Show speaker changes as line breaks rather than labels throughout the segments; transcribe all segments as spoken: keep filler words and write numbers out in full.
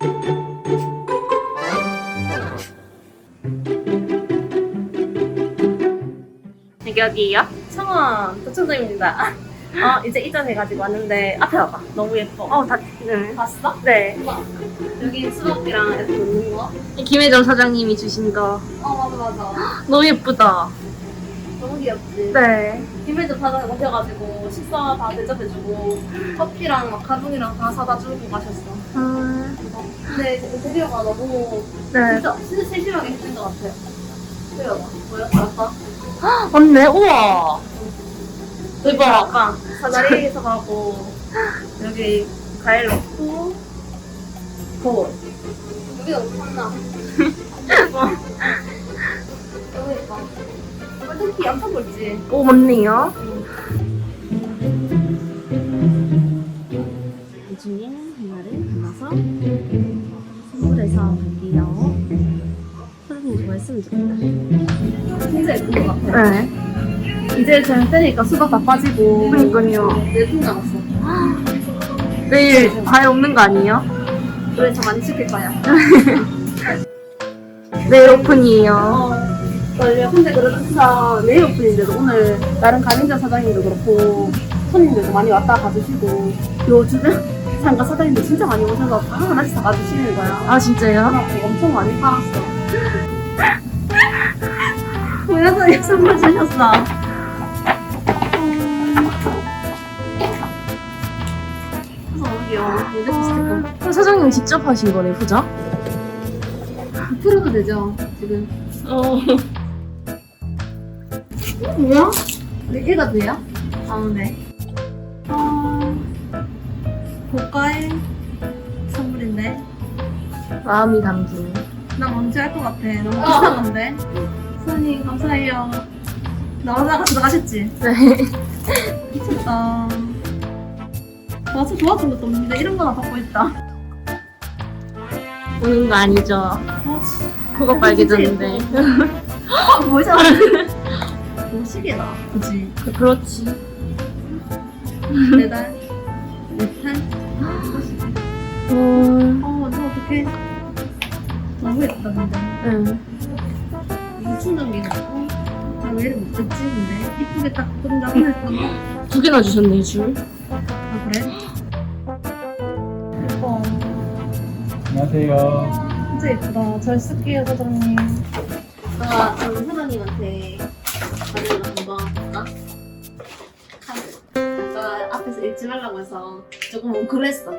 여기 어디예요?
창원 도청동입니다. 어, 이제 이전해가지고 왔는데 앞에 와봐. 너무 예뻐.
어, 다, 네.
봤어?
네.
봐. 여기 수박이랑 이렇게 놓는 거.
김혜정 사장님이 주신 거.
어, 맞아, 맞아.
너무 예쁘다.
너무 귀엽지?
네.
김혜주 사장님 오셔가지고 식사 다 대접해주고 커피랑 마카롱이랑 다 사다 주고 가셨어.
음,
근데 인테리어가 너무
네.
진짜, 진짜 세심하게 해준 것 같아요. 보여봐. 보여? 알았다?
맞네, 우와.
대박. 아까 사다리에서 가고 여기 과일 넣고 거울. 여기 너무 탐나. 너무 예뻐. 특히 엄청 굵지?
오, 맞네요.
나중에 하나를 골라서 선물해서 갈게요. 사장님 좋아했으면 좋겠다.
진짜 예쁜 것 같아.
네.
이제 저녁 때니까 수박 다 빠지고
그러니까요.
네통 남았어.
내일 과일 없는 거 아니에요?
그래 저 많이 시킬 거야.
내일 오픈이에요.
어, 원래 근데 그래도 진짜 내일 오픈인데도 오늘 다른 가맹점 사장님도 그렇고 손님들도 많이 왔다 가주시고 요 주변 상가 사장님들 진짜 많이 오셔서 다 하나씩 다 가주시는 거야.
아, 진짜요?
그래갖고 엄청 많이 팔았어. 그래서 선물 주셨어. 그래서 너무 귀여워. 이제 스티커.
그럼 사장님 직접 하신 거네, 그죠?
풀어도 되죠, 지금.
어.
뭐야? 얘가 돼요? 아, 네. 어, 고가의 선물인데.
마음이 담긴.
나 뭔지 알 것 같아. 너무 비싼 건데. 선생님, 감사해요. 나오다가 들어가셨지?
네.
미쳤다. 와서 좋았던 것도 없는데 이런 거나 받고 있다.
오는 거 아니죠?
어,
코가 빨개졌는데.
어, 뭐야? 너무 시계다. 그치?
그렇지.
매달? 네탈?
음,
어, 너 어떡해. 너무 예쁘다, 근데.
응.
이게 충전기가 있고. 나 왜 이렇게 못 듣지, 근데? 이쁘게 딱 끈다고 했던
두 개나 주셨네, 줄.
아, 그래? 예뻐.
안녕하세요.
진짜 예쁘다. 잘 쓸게요, 사장님. 나 저는 사장님한테 받은 거 한번 볼까? 카드. 아까 앞에서 읽지 말라고 해서 조금 웅크렸어.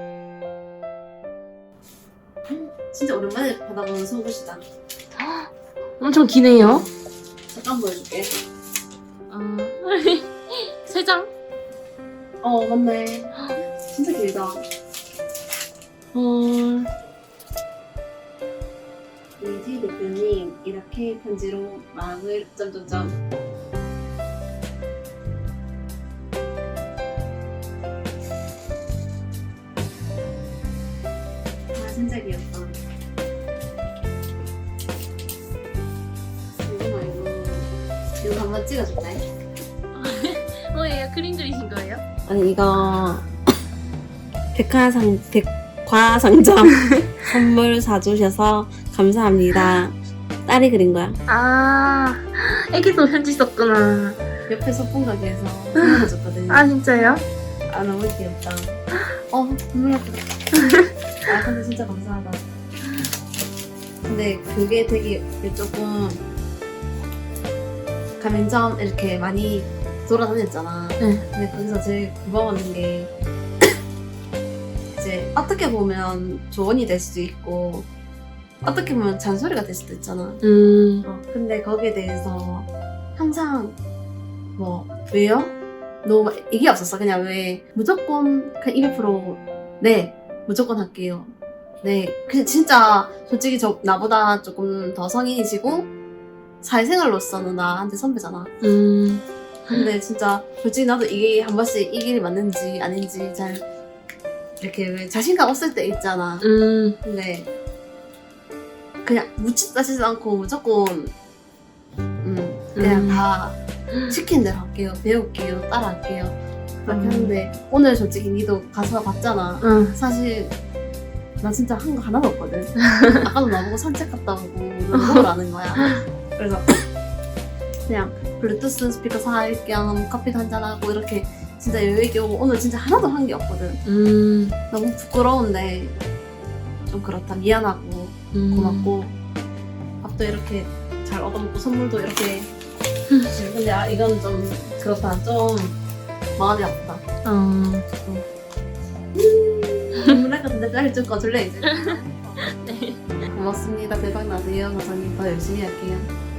진짜 오랜만에 받아보는 속옷이다.
엄청 기네요.
잠깐 보여줄게.
아, 세 장?
어, 맞네. 진짜 길다.
헐.
이지 대표님, 이렇게 편지로 마음을 점점점. 아, 진짜 귀엽다. 이거 말고, 이거 한번 찍어줄까요?
뭐예요? 그림 그리신 거예요?
아니 이거 백화상 백화상점 선물 사주셔서 감사합니다. 딸이 그린 거야.
아, 애기도 편지 썼구나.
옆에 소품 가게에서 선물해줬거든요.
아, 진짜요?
아, 너무 귀엽다. 어, 눈물 났다. 아, 근데 진짜 감사하다. 근데 그게 되게 조금 가맹점 이렇게 많이 돌아다녔잖아.
네.
근데 거기서 제일 고마웠는 게 이제 어떻게 보면 조언이 될 수도 있고 어떻게 보면 잔소리가 될 수도 있잖아.
음,
어, 근데 거기에 대해서 항상 뭐 왜요? 너 이게 없었어. 그냥 왜 무조건 그냥 이백 퍼센트 네 무조건 할게요. 네 그냥 진짜 솔직히 저 나보다 조금 더 성인이시고 사회생활로서는 나한테 선배잖아.
음,
근데 진짜 솔직히 나도 이게 한 번씩 이 길이 맞는지 아닌지 잘 이렇게 왜 자신감 없을 때 있잖아.
음,
근데 그냥 묻지 따지지 않고 무조건 음 그냥
음.
다 시킨 대로 할게요. 배울게요. 따라할게요. 그렇게
음.
하는데 오늘 솔직히 니도 가서 봤잖아.
응.
사실 나 진짜 한 거 하나도 없거든. 아까도 나보고 산책 갔다 오고 놀러라는 거야. 그래서 그냥 블루투스 스피커 살 겸 커피도 한잔하고 이렇게 진짜 여유있게 오고 오늘 진짜 하나도 한 게 없거든.
음.
너무 부끄러운데 좀 그렇다. 미안하고
음.
고맙고 밥도 이렇게 잘 얻어먹고 선물도 이렇게 주시고. 근데 아, 이건 좀 그렇다. 좀 마음이 아프다.
어.
눈물 날 것 같은데 빨리 좀 꺼줄래 이제.
네.
고맙습니다. 대박 나세요. 사장님 더 열심히 할게요.